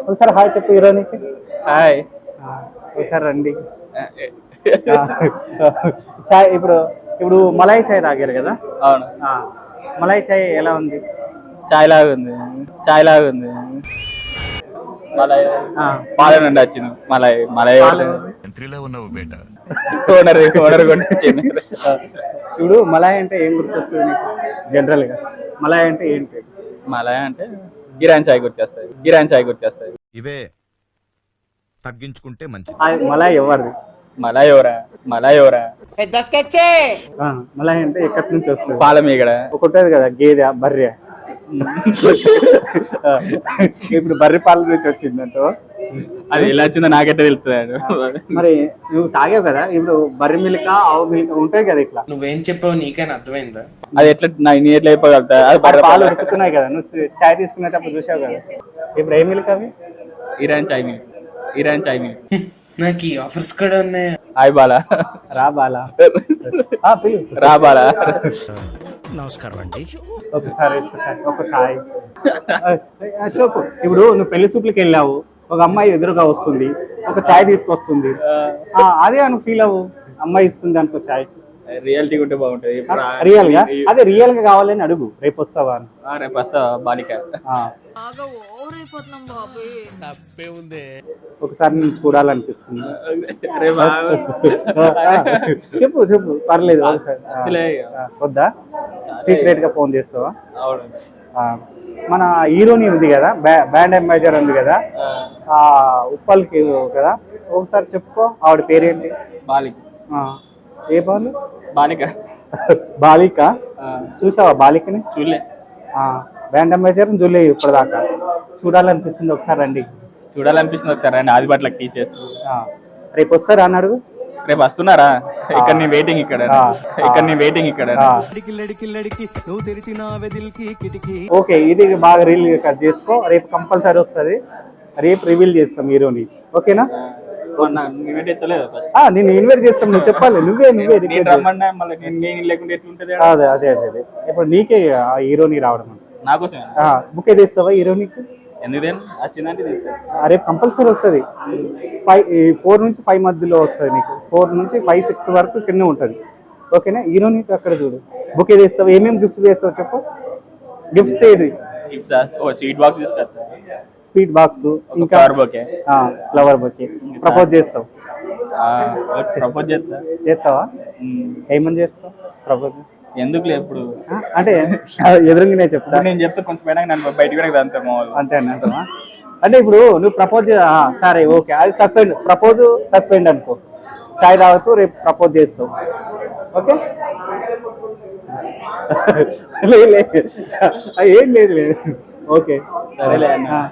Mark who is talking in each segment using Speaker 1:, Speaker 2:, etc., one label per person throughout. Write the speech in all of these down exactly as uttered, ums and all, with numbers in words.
Speaker 1: ఒకసారి హాయ్ చెప్పు హీరోనికి.
Speaker 2: హాయ్.
Speaker 1: ఒకసారి రండి. చాయ్ ఇప్పుడు ఇప్పుడు మలాయి చాయ్ తాగారు కదా?
Speaker 2: అవును.
Speaker 1: మలాయి చాయ్ ఎలా ఉంది?
Speaker 2: చాయ్ లాగా ఉంది. చాయ్ లాగా ఉంది. మలాయ్ పాల నుండి వచ్చింది. మలాయ్ మలాయ్ ఓనర్ ఓనర్ వచ్చింది.
Speaker 1: ఇప్పుడు మలాయ్ అంటే ఏం గుర్తొస్తుంది నీకు జనరల్ గా? మలాయ్ అంటే ఏంటి?
Speaker 2: మలాయ్ అంటే ఇరాన్ చాయ్ గుర్తొస్తాయి. ఇరాన్ చాయ్ గుర్తొస్తాయి.
Speaker 3: ఇవే తగ్గించుకుంటే మంచిది.
Speaker 1: మలాయ్ ఎవరిది?
Speaker 2: మలాయ్ ఎవరా? మలాయ్ ఎవరా?
Speaker 1: మలాయ్ అంటే ఎక్కడి నుంచి వస్తుంది?
Speaker 2: పాల మీగడ
Speaker 1: ఒకటి కదా, గేదె బర్రె. ఇప్పుడు బర్రె పాల నుంచి వచ్చిందంట.
Speaker 2: అది ఎలా వచ్చిందో నాకెట్ట తెలుస్తుంది.
Speaker 1: మరి నువ్వు తాగావు కదా, ఇప్పుడు బర్రె మిల్క్ ఆవు మిల్క్ ఉంటాయి కదా ఇట్లా.
Speaker 4: నువ్వేం చెప్పావు నీకైనా అర్థమైందా?
Speaker 2: అది ఎట్లా నేను ఎట్లా అయిపోగలుగుతా?
Speaker 1: పాలు ఉడుకుతున్నాయి కదా, నువ్వు చాయ్ తీసుకునేటప్పుడు చూసావు కదా. ఇప్పుడు ఏ మిల్క్ అవి?
Speaker 2: ఇరాన్ చాయ్ మిల్క్. ఇరాన్ చాయ్ మిల్క్.
Speaker 4: నాకు ఈ ఆఫర్స్ కూడా ఉన్నాయి.
Speaker 2: హాయ్ బాలా.
Speaker 1: రా బాలా.
Speaker 2: రా బాలా.
Speaker 3: నమస్కారం అండి.
Speaker 1: ఒకసారి ఒక చాయ్ చెప్పు. ఇప్పుడు నువ్వు పెళ్లి సూట్లకి వెళ్ళావు, ఒక అమ్మాయి ఎదురుగా వస్తుంది, ఒక చాయ్ తీసుకొస్తుంది, అదే నువ్వు ఫీల్ అవ్వు. అమ్మాయి ఇస్తుంది అనుకో చాయ్.
Speaker 2: రియాలిటీ ఉంటే బాగుంటది.
Speaker 1: రియల్ గా అదే రియల్ గా కావాలని అడుగు. రేపు వస్తావా అని.
Speaker 2: రేపు వస్తావా బాలిక?
Speaker 1: ఒకసారి నేను చూడాలనిపిస్తుంది. చెప్పు చెప్పు పర్లేదు. వద్దా? సీక్రెట్ గా ఫోన్ చేస్తావా? మన హీరోని ఉంది కదా, బ్యాండ్ అంబాసిడర్ ఉంది కదా, ఆ ఉప్పల్కి కదా, ఒకసారి చెప్పుకో. ఆవిడ పేరేంటి?
Speaker 2: బాలిక.
Speaker 1: ఏ బాలు?
Speaker 2: బాలిక.
Speaker 1: బాలిక. చూసావా బాలికని?
Speaker 2: చూడలే.
Speaker 1: బ్యాండ్ అంబాసిడర్ చూడలే ఇప్పటిదాకా. చూడాలనిపిస్తుంది. ఒకసారి రండి.
Speaker 2: చూడాలనిపిస్తుంది ఒకసారి రండి. ఆదిపట్లకి తీసేసి
Speaker 1: రేపు వస్తారా అని అడుగు.
Speaker 2: రేపు వస్తున్నారా? ఇక్కడ నీ వెయిటింగ్ ఇక్కడ. ఇక్కడ నీ వెయిటింగ్ ఇక్కడ.
Speaker 1: ఓకే, ఇది బాగా రీల్ కట్ చేసుకో. రేపు కంపల్సరీ వస్తుంది. రేపు రివీల్ చేస్తాం హీరోని. ఓకేనా? నేను ఇన్వైట్ చేస్తాం. నువ్వు చెప్పాలి. నువ్వే నువ్వే అదే అదే అదే అదే ఇప్పుడు నీకే హీరోని రావడం. బుక్ అయితే ఇస్తావా హీరోనికి? రేపు కంపల్సరీ వస్తుంది. ఫైవ్ ఫోర్ నుంచి ఫైవ్ మధ్యలో వస్తుంది నీకు. ఫోర్ నుంచి ఫైవ్ సిక్స్ వరకు కింద ఉంటుంది. ఓకేనా? హీరోనికి అక్కడ చూడు. బుక్ అయితే ఇస్తావు. ఏమేమి గిఫ్ట్ చేస్తావు చెప్పు. గిఫ్ట్స్ ఏది?
Speaker 2: స్వీట్ బాక్స్ తీసుకొస్తా.
Speaker 1: స్వీట్ బాక్స్, ఇంకా ఫ్లవర్ బొకే. ప్రపోజ్ చేస్తావు?
Speaker 2: ప్రపోజ్ చేస్తా.
Speaker 1: చేస్తావా? ఏమని చేస్తావు ప్రపోజ్?
Speaker 2: ఎందుకు ఇప్పుడు
Speaker 1: అంటే ఎదురుగానే చెప్తా.
Speaker 2: నేను చెప్తా కొంచెం నన్ను బయటకు
Speaker 1: అంతే అంటావా? అంటే ఇప్పుడు నువ్వు ప్రపోజ్ సరే ఓకే, అది సస్పెండ్. ప్రపోజ్ సస్పెండ్ అనుకో. చాయ్ తాగుతూ రేపు ప్రపోజ్ చేస్తావు. ఓకే? ఏం లేదు లేదు. ఓకే
Speaker 2: సరేలే.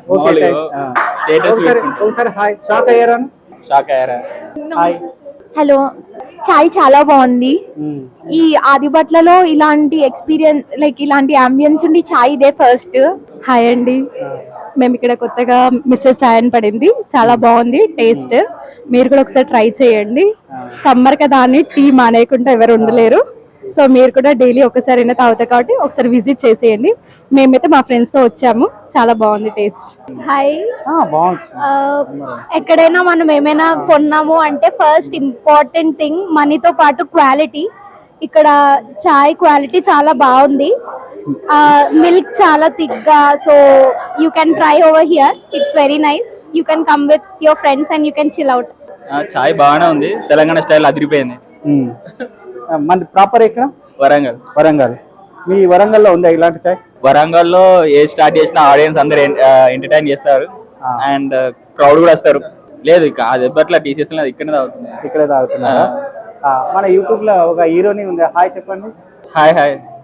Speaker 1: ఒకసారి హాయ్. షాక్ అయ్యారా?
Speaker 2: షాక్ అయ్యారా?
Speaker 1: హాయ్.
Speaker 5: హలో. చాయ్ చాలా బాగుంది. ఈ ఆదిబట్లలో ఇలాంటి ఎక్స్పీరియన్స్, లైక్ ఇలాంటి అంబియన్స్ ఉండి చాయ్ ఇదే ఫస్ట్. హాయ్ అండి, మేము ఇక్కడ కొత్తగా మిస్టర్ చాయ్ అని పడింది. చాలా బాగుంది టేస్ట్. మీరు కూడా ఒకసారి ట్రై చేయండి. సమ్మర్ కదా అని టీ మానేయకుండా ఎవరు ఉండలేరు. సో మీరు కూడా డైలీ ఒకసారైనా తాగుతారు కాబట్టి ఒకసారి విజిట్ చేసేయండి. మేమైతే మా ఫ్రెండ్స్ తో వచ్చాము. చాలా బాగుంది టేస్ట్.
Speaker 6: హాయ్.
Speaker 1: బాగుంది.
Speaker 6: ఎక్కడైనా మనం ఏమైనా కొన్నాము అంటే ఫస్ట్ ఇంపార్టెంట్ థింగ్ మనీతో పాటు క్వాలిటీ. ఇక్కడ చాయ్ క్వాలిటీ చాలా బాగుంది. మిల్క్ చాలా థిక్గా. So you can try over here. It's very nice. You can come with your friends and you can chill out.
Speaker 2: చాయ్ బాగానే ఉంది. తెలంగాణ స్టైల్ అదిరిపోయింది.
Speaker 1: మన ప్రాపర్ ఎక్కడ?
Speaker 2: వరంగల్.
Speaker 1: వరంగల్. మీ వరంగల్లో ఉందా ఇలాంటి చాయ్?
Speaker 2: వరంగల్లో ఏ స్టార్ట్ చేసిన ఆడియన్స్ అందరు ఎంటర్టైన్ చేస్తారు అండ్ క్రౌడ్ కూడా వస్తారు. లేదు ఇక అది ఎప్పట్లా టీసీఎస్ ఇక్కడే తాగుతుంది.
Speaker 1: ఇక్కడే తాగుతున్నా. మన యూట్యూబ్ లో ఒక హీరోని ఉంది. హాయ్ చెప్పండి.
Speaker 2: Hi hi.